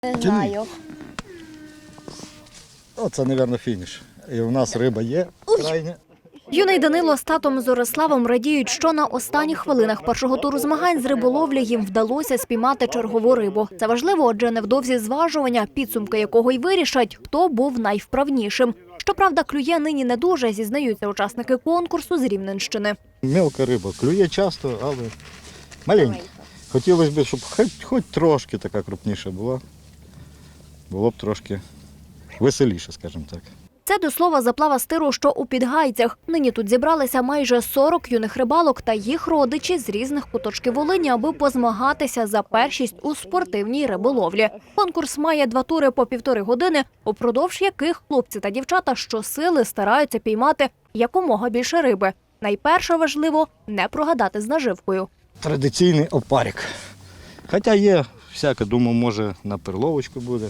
Не знаю. Оце, мабуть, фініш. І у нас риба є крайня. Юний Данило з татом Зориславом радіють, що на останніх хвилинах першого туру змагань з риболовлі їм вдалося спіймати чергову рибу. Це важливо, адже невдовзі зважування, підсумки якого й вирішать, хто був найвправнішим. Щоправда, клює нині не дуже, зізнаються учасники конкурсу з Рівненщини. Мелка риба, клює часто, але маленька. Хотілося б, щоб хоч трошки така крупніша була. Було б трошки веселіше, скажімо так. Це до слова заплава стиру, що у Підгайцях. Нині тут зібралися майже 40 юних рибалок та їх родичі з різних куточків Волині, аби позмагатися за першість у спортивній риболовлі. Конкурс має 2 тури по 1,5 години, упродовж яких хлопці та дівчата щосили стараються піймати якомога більше риби. Найперше важливо – не прогадати з наживкою. Традиційний опарик. Хоча є всяке, думаю, може на перловочку буде,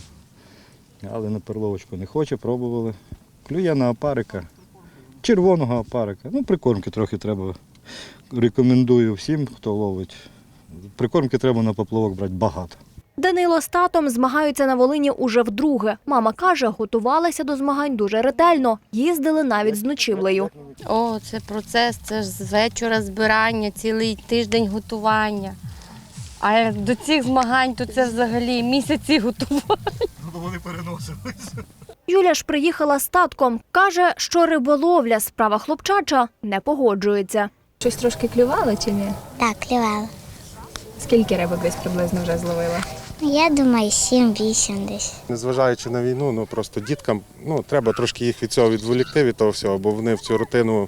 але на перловочку не хоче, пробували. Клює на опарика, червоного опарика. Прикормки трохи треба. Рекомендую всім, хто ловить. Прикормки треба на поплавок брати багато. Данило з татом змагаються на Волині уже вдруге. Мама каже, готувалися до змагань дуже ретельно. Їздили навіть з ночівлею. О, це процес, це ж з вечора збирання, цілий тиждень готування. А як до цих змагань, то це взагалі місяці готування. Вони переносилися. Юля ж приїхала з татком. Каже, що риболовля – справа хлопчача, не погоджується. Щось трошки клювало чи ні? Так, клювала. Скільки рибок десь приблизно вже зловила? Я думаю, 7-8 десь. Незважаючи на війну, просто діткам треба трошки їх від цього відволікти, від того всього, бо вони в цю рутину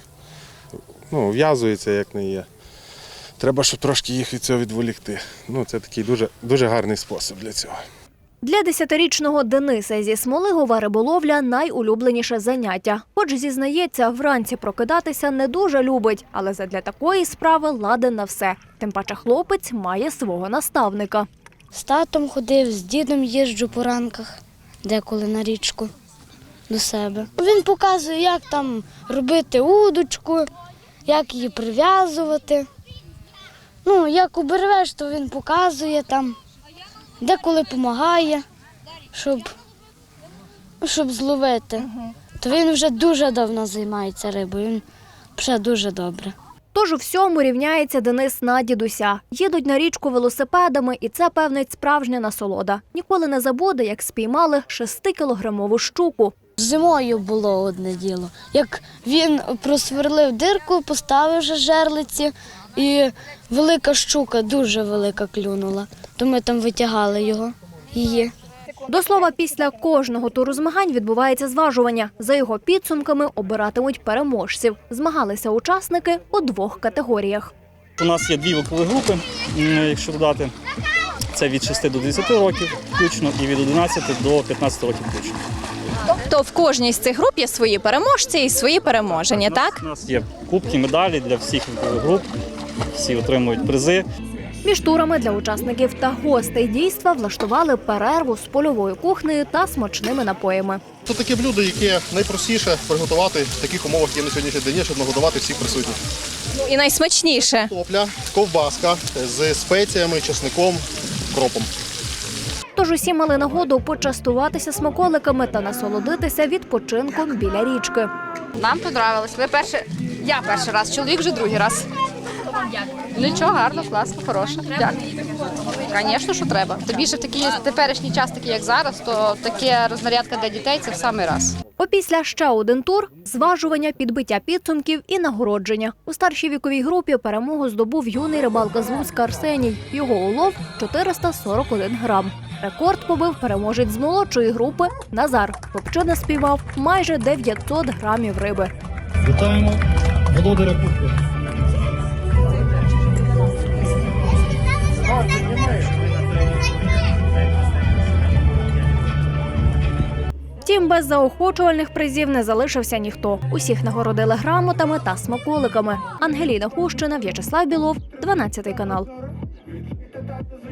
в'язуються, як не є. Треба, щоб трошки їх від цього відволікти. Це такий дуже гарний спосіб для цього. Для 10-річного Дениса зі Смолигова риболовля – найулюбленіше заняття. Хоч, зізнається, вранці прокидатися не дуже любить, але задля такої справи ладен на все. Тим паче хлопець має свого наставника. З татом ходив, з дідом їжджу по ранках, деколи на річку до себе. Він показує, як там робити удочку, як її прив'язувати. Як обервеш, то він показує там, деколи допомагає, щоб зловити. То він вже дуже давно займається рибою, він вже дуже добре. Тож у всьому рівняється Денис на дідуся. Їдуть на річку велосипедами, і це, певнить, справжня насолода. Ніколи не забуде, як спіймали 6-кілограмову щуку. Зимою було одне діло. Як він просверлив дирку, поставив вже жерлиці, і велика щука, дуже велика клюнула. То ми там витягали її. До слова, після кожного туру змагань відбувається зважування. За його підсумками обиратимуть переможців. Змагалися учасники у 2 категоріях. У нас є 2 вікові групи, якщо додати. Це від 6 до 10 років включно і від 11 до 15 років включно. Тобто в кожній з цих груп є свої переможці і свої переможені, так? У нас є кубки, медалі для всіх вікових груп, всі отримують призи. Між турами для учасників та гостей дійства влаштували перерву з польовою кухнею та смачними напоями. Це таке блюдо, яке найпростіше приготувати в таких умовах, які на сьогоднішній день, щоб нагодувати всіх присутніх. І найсмачніше. Картопля, ковбаска з спеціями, чесником, кропом. Тож усі мали нагоду почастуватися смаколиками та насолодитися відпочинком біля річки. Нам подобалось. Я перший раз, чоловік вже другий раз. Нічого, гарно, класно, хороше. Дякую. Звісно, що треба. Тобі ж в такий теперішній час, такий як зараз, то таке рознарядка для дітей – це в самий раз. Опісля ще один тур – зважування, підбиття підсумків і нагородження. У старшій віковій групі перемогу здобув юний рибалка з Луцька Арсеній. Його улов – 441 грам. Рекорд побив переможець з молодшої групи Назар. Хлопчина спіймав майже 900 грамів риби. Вітаємо володаря кубку. Втім, без заохочувальних призів не залишився ніхто. Усіх нагородили грамотами та смаколиками. Ангеліна Хущина, В'ячеслав Білов, 12 канал.